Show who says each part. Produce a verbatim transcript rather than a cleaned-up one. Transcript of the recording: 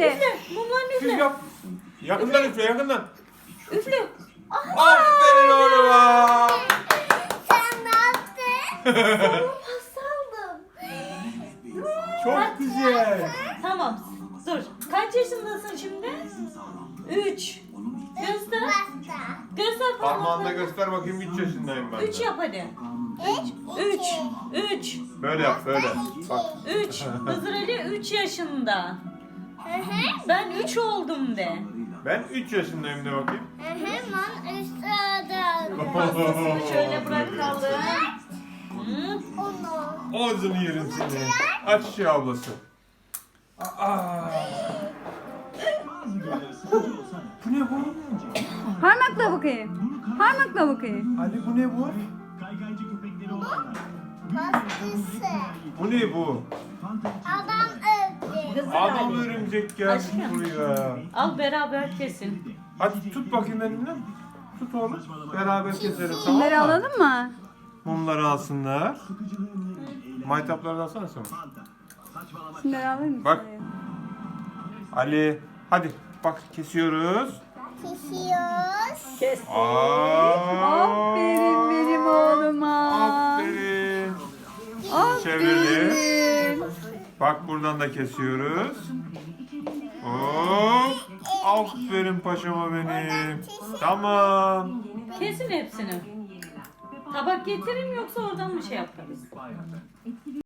Speaker 1: üfle.
Speaker 2: Mumların
Speaker 3: Siz
Speaker 2: üfle.
Speaker 3: yap. Yakından üfle, yakından.
Speaker 2: Üfle.
Speaker 3: Aferin oğluma.
Speaker 4: Sen ne yaptın?
Speaker 2: Pasta aldım.
Speaker 3: Çok güzel.
Speaker 2: Tamam. Dur. Kaç yaşındasın şimdi? Üç. Göster.
Speaker 4: Pasta.
Speaker 2: Göster
Speaker 3: Parmağında
Speaker 2: parmaklarını.
Speaker 3: göster bakayım, üç yaşındayım ben.
Speaker 2: Üç yap hadi.
Speaker 4: Üç.
Speaker 2: Üç. Üç.
Speaker 3: Böyle yap, böyle. Bak.
Speaker 2: Üç. Hızır Ali üç yaşında.
Speaker 4: Hı hı.
Speaker 2: Ben üç oldum de.
Speaker 3: Ben üç yaşındayım de bakayım.
Speaker 4: Hı hı. Ben üstüne
Speaker 2: Pastasını şöyle bırakalım. Hı.
Speaker 4: onu.
Speaker 3: Ağzını yerim seni. Aç şu ablası. Aa. Bu ne bu?
Speaker 1: Parmakla bakayım. Parmakla bakayım.
Speaker 3: Ali bu ne bu?
Speaker 4: Pastası.
Speaker 3: Bu ne bu?
Speaker 4: Adam öldü.
Speaker 2: Hızır
Speaker 3: Adam
Speaker 2: Ali.
Speaker 3: örümcek gelmiş
Speaker 2: Aşkım.
Speaker 3: buraya.
Speaker 2: Al beraber kesin.
Speaker 3: Hadi tut bakayım elimden. Tut oğlum. Beraber keselim, tamam
Speaker 1: Bunları
Speaker 3: mı?
Speaker 1: alalım mı?
Speaker 3: Mumları alsınlar. Maytapları da alsana sen.
Speaker 1: Şunları alır mısın?
Speaker 3: Bak. Ali. Hadi bak, kesiyoruz.
Speaker 4: Pişiyoruz.
Speaker 2: Kes.
Speaker 3: Aa.
Speaker 1: Aferin benim oğluma.
Speaker 3: Aferin. Çevirelim.
Speaker 1: Aferin.
Speaker 3: Bak, buradan da kesiyoruz. Hop. Aferin paşama benim. Tamam.
Speaker 2: Kesin hepsini. Tabak getireyim yoksa oradan mı şey yaparız?